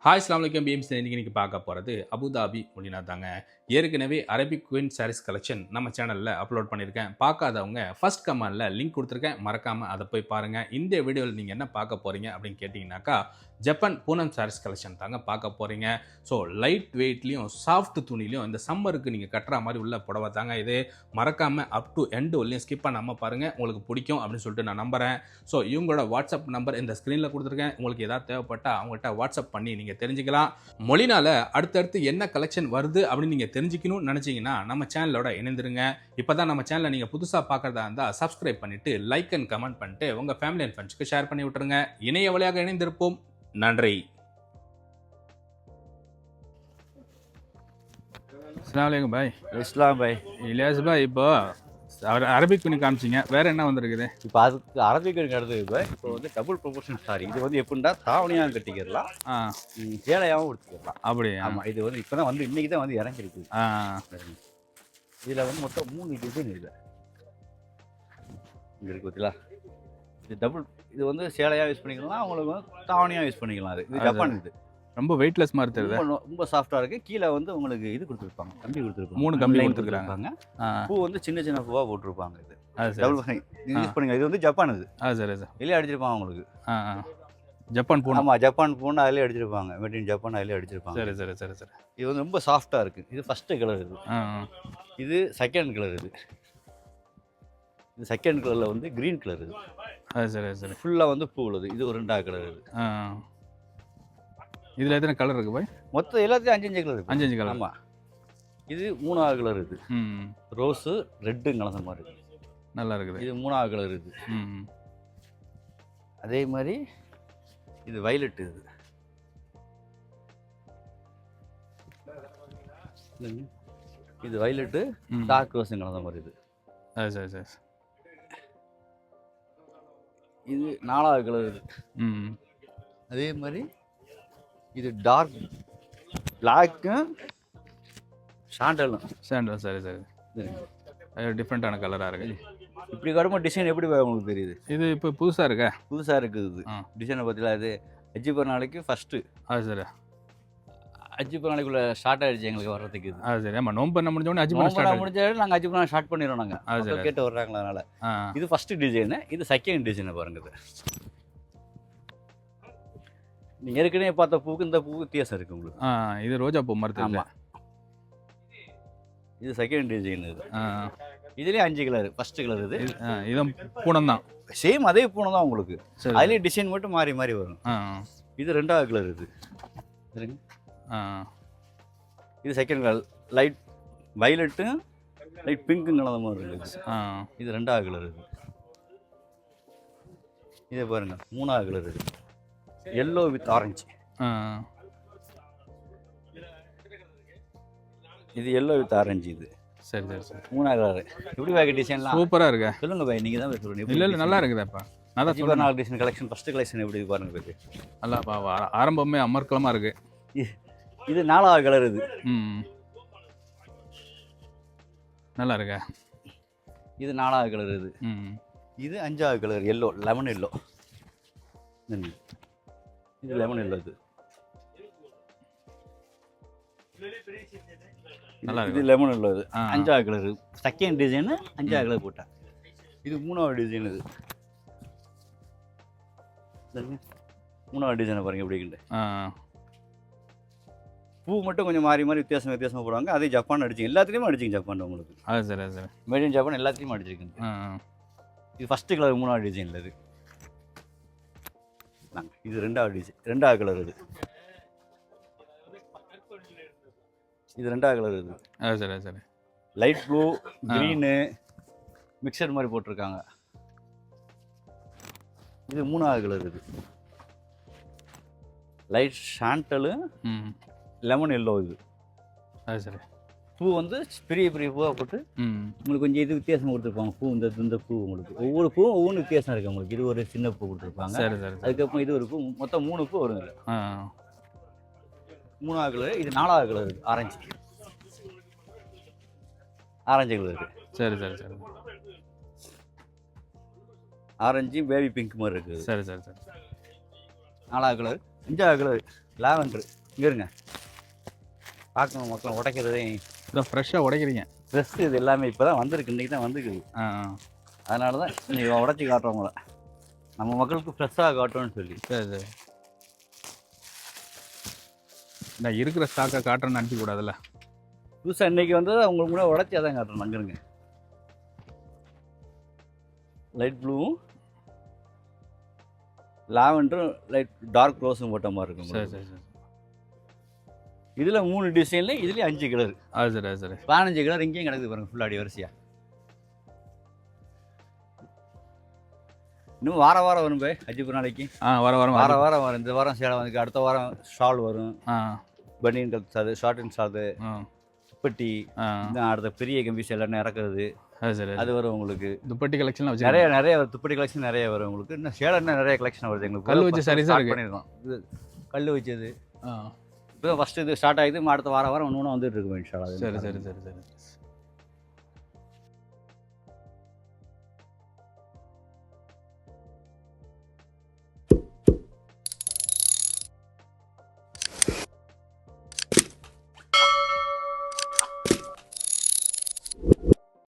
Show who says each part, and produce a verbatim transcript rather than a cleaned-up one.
Speaker 1: Hi அஸ்ஸலாமு அலைக்கும் BMC இன்னைக்கு இன்னைக்கு பார்க்க போகிறது அபுதாபி மொழினா தாங்க. ஏற்கனவே அரபிக் குயின் சாரீஸ் கலெக்ஷன் நம்ம சேனலில் அப்லோட் பண்ணியிருக்கேன். பார்க்காதவங்க ஃபர்ஸ்ட் கமெண்டில் லிங்க் கொடுத்துருக்கேன், மறக்காமல் அதை போய் பாருங்கள். இந்த வீடியோவில் நீங்கள் என்ன பார்க்க போகிறீங்க அப்படின்னு கேட்டிங்கனாக்கா ஜப்பான் பூனம் சாரீஸ் கலெக்ஷன் தாங்க பார்க்க போகிறீங்க. ஸோ லைட் வெயிட்லேயும் சாஃப்ட் துணிலையும் இந்த சம்மருக்கு நீங்கள் கட்டுற மாதிரி உள்ள புடவை தாங்க இது. மறக்காமல் அப் டு எண்டு வரலையும் ஸ்கிப் பண்ணாமல் பாருங்கள், உங்களுக்கு பிடிக்கும் அப்படின்னு சொல்லிட்டு நான் நம்புகிறேன். ஸோ இவங்களோட வாட்ஸ்அப் நம்பர் இந்த ஸ்க்ரீனில் கொடுத்துருக்கேன். உங்களுக்கு ஏதாவது தேவைப்பட்டால் அவங்கள்ட்ட வாட்ஸ்அப் பண்ணி நீங்கள் தெரிஞ்சுக்கலாம். மொழினால அடுத்தடுத்து என்ன கலெக்ஷன் வருது அப்படின்னு நீங்கள் தெரிஞ்சுக்கணும்னு நினச்சிங்கன்னா நம்ம சேனலோட இணைந்துருங்க. இப்போ தான் நம்ம சேனலை நீங்கள் புதுசாக பார்க்குறதா இருந்தால் சப்ஸ்கிரைப் பண்ணிவிட்டு லைக் அண்ட் கமெண்ட் பண்ணிட்டு உங்கள் ஃபேமிலி அண்ட் ஃப்ரெண்ட்ஸ்க்கு ஷேர் பண்ணி விட்டுருங்க. இணைய வழியாக இணைந்திருப்போம். நன்றி. அஸ்ஸலாமு அலைக்கும் பாய்.
Speaker 2: இஸ்லாம் பாய்.
Speaker 1: இலியாஸ் பாய், இப்போ அரபிக் துணி காமிச்சிங்க, வேற என்ன வந்திருக்குது?
Speaker 2: இப்போ அதுக்கு அரபிக் அடுத்தது பாய். இப்போ வந்து டபுள் ப்ரொபோர்ஷன் சாரி. இது வந்து எப்படின்னா தாவணியாக கட்டிக்கிறலாம், சேலையாகவும் எடுத்துக்கலாம்.
Speaker 1: அப்படி?
Speaker 2: ஆமாம். இது வந்து இப்போ தான் வந்து இன்றைக்கி தான் வந்து இறங்கிருக்கு. இதில் வந்து மொத்தம் மூணு டிசைன் இருக்குது. இங்கே இருக்கு பார்த்தீங்களா? இது டபுள். இது வந்து சேலையாக யூஸ் பண்ணிக்கலாம், அவங்களுக்கு வந்து தாவணியாக யூஸ் பண்ணிக்கலாம். அது இது ஜப்பான். இது
Speaker 1: ரொம்ப வெயிட்லெஸ் மாதிரி தெரியுது.
Speaker 2: ரொம்ப சாஃப்டாக இருக்குது. கீழே வந்து உங்களுக்கு இது கொடுத்துருப்பாங்க, கம்பி கொடுத்துருப்பாங்க.
Speaker 1: மூணு கம்பி கொடுத்துருக்காங்க.
Speaker 2: பூ வந்து சின்ன சின்ன பூவாக போட்டிருப்பாங்க. இது டபுள் யூஸ் பண்ணுங்க. இது வந்து ஜப்பான். இது
Speaker 1: ஆ சரி சார்.
Speaker 2: வெளியே அடிச்சிருப்பாங்க உங்களுக்கு.
Speaker 1: ஆ ஆ ஜப்பான் பூ.
Speaker 2: ஆமாம், ஜப்பான் பூன்னு அதிலே அடிச்சிருப்பாங்க. மேட் இன் ஜப்பான் அதிலே அடிச்சிருப்பாங்க.
Speaker 1: சரி சரி சரி சரி.
Speaker 2: இது வந்து ரொம்ப சாஃப்டாக இருக்குது. இது ஃபஸ்ட்டு கலர். இது
Speaker 1: ஆ
Speaker 2: இது செகண்ட் கலர். இது இது செகண்ட் கலரில் வந்து க்ரீன் கலர். இது
Speaker 1: அது சரி சரி.
Speaker 2: ஃபுல்லாக வந்து பூ உள்ளது. இது ஒரு ரெண்டாவது கலர். இது
Speaker 1: ஆ இதில் எத்தனை கலர் இருக்குது பாய்?
Speaker 2: மொத்தம் எல்லாத்தையும் அஞ்சு அஞ்சு கலர்.
Speaker 1: அஞ்சு அஞ்சு கலர்.
Speaker 2: ஆமாம். இது மூணாவது கலர். இது
Speaker 1: ம்
Speaker 2: ரோஸு ரெட்டும் கலந்த மாதிரி இருக்குது. நல்லா இருக்குது. இது மூணாவது கலர். இது
Speaker 1: ம்
Speaker 2: அதே மாதிரி இது வயலட். இது இது வயலட்டு டார்க் ரோஸும் கலந்த மாதிரி. இது
Speaker 1: அது சரி சரி.
Speaker 2: இது நாலாவது கலர். இது
Speaker 1: ம்
Speaker 2: அதே மாதிரி இது டார்க் பிளாக்கும் சாண்டலும்.
Speaker 1: சாண்டல். சரி சரி. அது டிஃப்ரெண்ட்டான கலராக இருக்குது.
Speaker 2: இப்படி கடுமை டிசைன் எப்படி உங்களுக்கு தெரியுது?
Speaker 1: இது இப்போ புதுசாக இருக்கா?
Speaker 2: புதுசாக இருக்குது. இது டிசைனை பார்த்தீங்களா? இது அஞ்சு பர் நாளைக்கு ஃபஸ்ட்டு.
Speaker 1: அது சரி.
Speaker 2: அஞ்சு பர் நாளைக்குள்ள ஸ்டார்ட் ஆகிடுச்சு எங்களுக்கு வர்றதுக்கு. இது
Speaker 1: அது சரி. ஆமாம், நோம்பு பண்ண முடிஞ்சோடனே அஞ்சு
Speaker 2: பண்ண ஸ்டார்ட் முடிஞ்சாலும் நாங்கள் அஞ்சு பண்ண ஸ்டார்ட் பண்ணிடுறோம். நாங்கள் அது கேட்டு வர்றாங்களா? அதனால் இது ஃபஸ்ட்டு டிசைனு. இது செகண்ட் டிசைனை பாருங்க. இது நீங்கள் ஏற்கனவே பார்த்த பூக்கு இந்த பூ வித்தியாசம் இருக்குது உங்களுக்கு.
Speaker 1: ஆ இது ரோஜா பூ மாதிரி.
Speaker 2: ஆமாம். இது செகண்ட் டிசைன். இது இதுலேயே அஞ்சு கலர். First colour. இது
Speaker 1: இதுவும் பூனம் தான்.
Speaker 2: சேம் அதே பூனம் தான் உங்களுக்கு. அதுலேயே டிசைன் மட்டும் மாறி மாறி வரும். இது ரெண்டாவது கலர். இது சரிங்க. இது செகண்ட் கலர். லைட் வயலட்டும் லைட் பிங்க்கும் கலந்த மாதிரி இருக்குது. இது ரெண்டாவது கலர். இது இதே பாருங்கள், மூணாவது கலர். இது எல்லோ வித் ஆரஞ்சு. இது எல்லோ வித் ஆரஞ்சு. இது
Speaker 1: சரி சரி சரி.
Speaker 2: மூணாவது கலர். எப்படி வாங்க டிசைன்லாம்
Speaker 1: சூப்பராக இருக்கா?
Speaker 2: சொல்லுங்கள் பாய், நீங்கள் தான் சொல்லுங்கள்.
Speaker 1: இல்லை இல்லை நல்லா இருக்குதாப்பா. நான் தான்
Speaker 2: சொல்லுங்கள். நாலு டிசைன் கலெக்ஷன். ஃபஸ்ட்டு கலெக்ஷன் எப்படி பாருங்க இருக்கு.
Speaker 1: நல்லா ஆரம்பமே அமர்க்கலமாக இருக்குது.
Speaker 2: இது நாலாவது கலர். இது
Speaker 1: ம் நல்லா இருக்கா?
Speaker 2: இது நாலாவது கலர். இது
Speaker 1: ம்
Speaker 2: இது அஞ்சாவது கலர். Yellow, lemon yellow. இது லெமன் எல்லோ. இது
Speaker 1: நல்லா
Speaker 2: இது லெமன் எல்லோ. இது அஞ்சாவது கலர். செகண்ட் டிசைனு அஞ்சாவது கலர் போட்டேன். இது மூணாவது டிசைன். இது மூணாவது டிசைனை பாருங்க எப்படி இருக்குது. பூ மட்டும் கொஞ்சம் மாறி மாறி வித்தியாசம் வித்தியாசமாக போடுவாங்க. அதே ஜப்பான் அடிச்சிங்க. எல்லாத்துலேயுமே அடிச்சிங்க ஜப்பான் உங்களுக்கு.
Speaker 1: அது சரி சரி.
Speaker 2: மேட் இன் ஜப்பான் எல்லாத்துலேயும் அடிச்சிருக்குங்க. இது ஃபஸ்ட்டு கலர் மூணாவது டிசைனில். இது இது ரெண்டாவது டிசைன். ரெண்டாவது கலர். இது இது ரெண்டாவது கலர். இது
Speaker 1: அது சரி சரி.
Speaker 2: லைட் ப்ளூ க்ரீனு மிக்சர் மாதிரி போட்டிருக்காங்க. இது மூணாவது கலர். இது லைட் சாண்டலு லெமன் எல்லோ. இது
Speaker 1: அது சரி.
Speaker 2: பூ வந்து பெரிய பெரிய பூவாக போட்டு உங்களுக்கு கொஞ்சம் இது வித்தியாசம் கொடுத்துருப்பாங்க. பூ இந்த இந்த பூ உங்களுக்கு ஒவ்வொரு பூவும் ஒவ்வொன்று வித்தியாசம் இருக்குது உங்களுக்கு. இது ஒரு சின்ன பூ கொடுத்துருப்பாங்க.
Speaker 1: சரி சரி.
Speaker 2: அதுக்கப்புறம் இது ஒரு பூ. மொத்தம் மூணு பூ வருது. மூணாவது கலர். இது நாலாவது கலர். இருக்குது ஆரஞ்சு. ஆரஞ்சு கலர் இருக்குது.
Speaker 1: சரி சரி சரி.
Speaker 2: ஆரஞ்சு பேபி பிங்க் மாதிரி இருக்குது.
Speaker 1: சரி சரி சரி.
Speaker 2: நாலாவது கலர். அஞ்சாவது கலர் லாவெண்டர் இங்கே இருங்க பார்க்கணும் மக்கள் உடைக்கிறதே
Speaker 1: இதான் ஃப்ரெஷ்ஷாக உடைக்கிறீங்க.
Speaker 2: ட்ரெஸ் இது எல்லாமே இப்போ தான் வந்திருக்கு, இன்றைக்கி தான் வந்துருக்குது.
Speaker 1: ஆ
Speaker 2: அதனால தான் இன்றைக்கி உடச்சி காட்டுறவங்கள நம்ம மக்களுக்கு ஃப்ரெஷ்ஷாக காட்டுவோன்னு சொல்லி.
Speaker 1: சரி சரி. நான் இருக்கிற ஸ்டாக்கை காட்டுறேன்னு அனுப்பிக்கூடாதுல்ல.
Speaker 2: புதுசாக இன்றைக்கி வந்தது அவங்களுக்கு கூட உடச்சி அதான் காட்டுறோம். அங்கேருங்க லைட் ப்ளூவும் லாவெண்டரும் லைட் டார்க் ரோஸும் போட்ட மாதிரி இருக்கும்.
Speaker 1: சரி சரி சரி.
Speaker 2: இதில் மூணு டிசைனில் இதுலேயும் அஞ்சு கலர்.
Speaker 1: அது சரி அது சரி.
Speaker 2: பதினஞ்சு கலர் இங்கேயும் கிடக்குது பாருங்கள் ஃபுல்லாக அடி வரிசையாக. இன்னும் வார வாரம் வரும் போய் அஞ்சு நாளைக்கு.
Speaker 1: ஆ வார வாரம்
Speaker 2: வார வாரம் வரும். இந்த வாரம் சேலை வந்து அடுத்த வாரம் ஷால் வரும்.
Speaker 1: ஆ
Speaker 2: பனியன் கல்சாது, ஷார்ட் அண்ட் ஷார்ட்டு,
Speaker 1: ஆ
Speaker 2: துப்பட்டி,
Speaker 1: ஆ
Speaker 2: அடுத்த பெரிய கம்பீஸ் எல்லாம் இறக்குறது
Speaker 1: அது சரி.
Speaker 2: அது வரும் உங்களுக்கு.
Speaker 1: துப்பட்டி கலெக்ஷன் வச்சு
Speaker 2: நிறைய நிறைய வரும். துப்பட்டி கலெக்ஷன் நிறைய வரும் உங்களுக்கு. இன்னும் சேலை இன்னும் நிறைய கலெக்ஷன் வருது எங்களுக்கு.
Speaker 1: கல் வச்சு சாரீஸ் இருக்கு.
Speaker 2: பண்ணியிருக்கோம். இது கல் வச்சது.
Speaker 1: ஆ
Speaker 2: இப்போ ஃபஸ்ட்டு இது ஸ்டார்ட் ஆகிது. அடுத்த வாரம் வாரம் ஒன்று ஒன்று வந்துட்டு இருக்கும் இன்ஷால்லா.
Speaker 1: சரி சரி சரி சரி.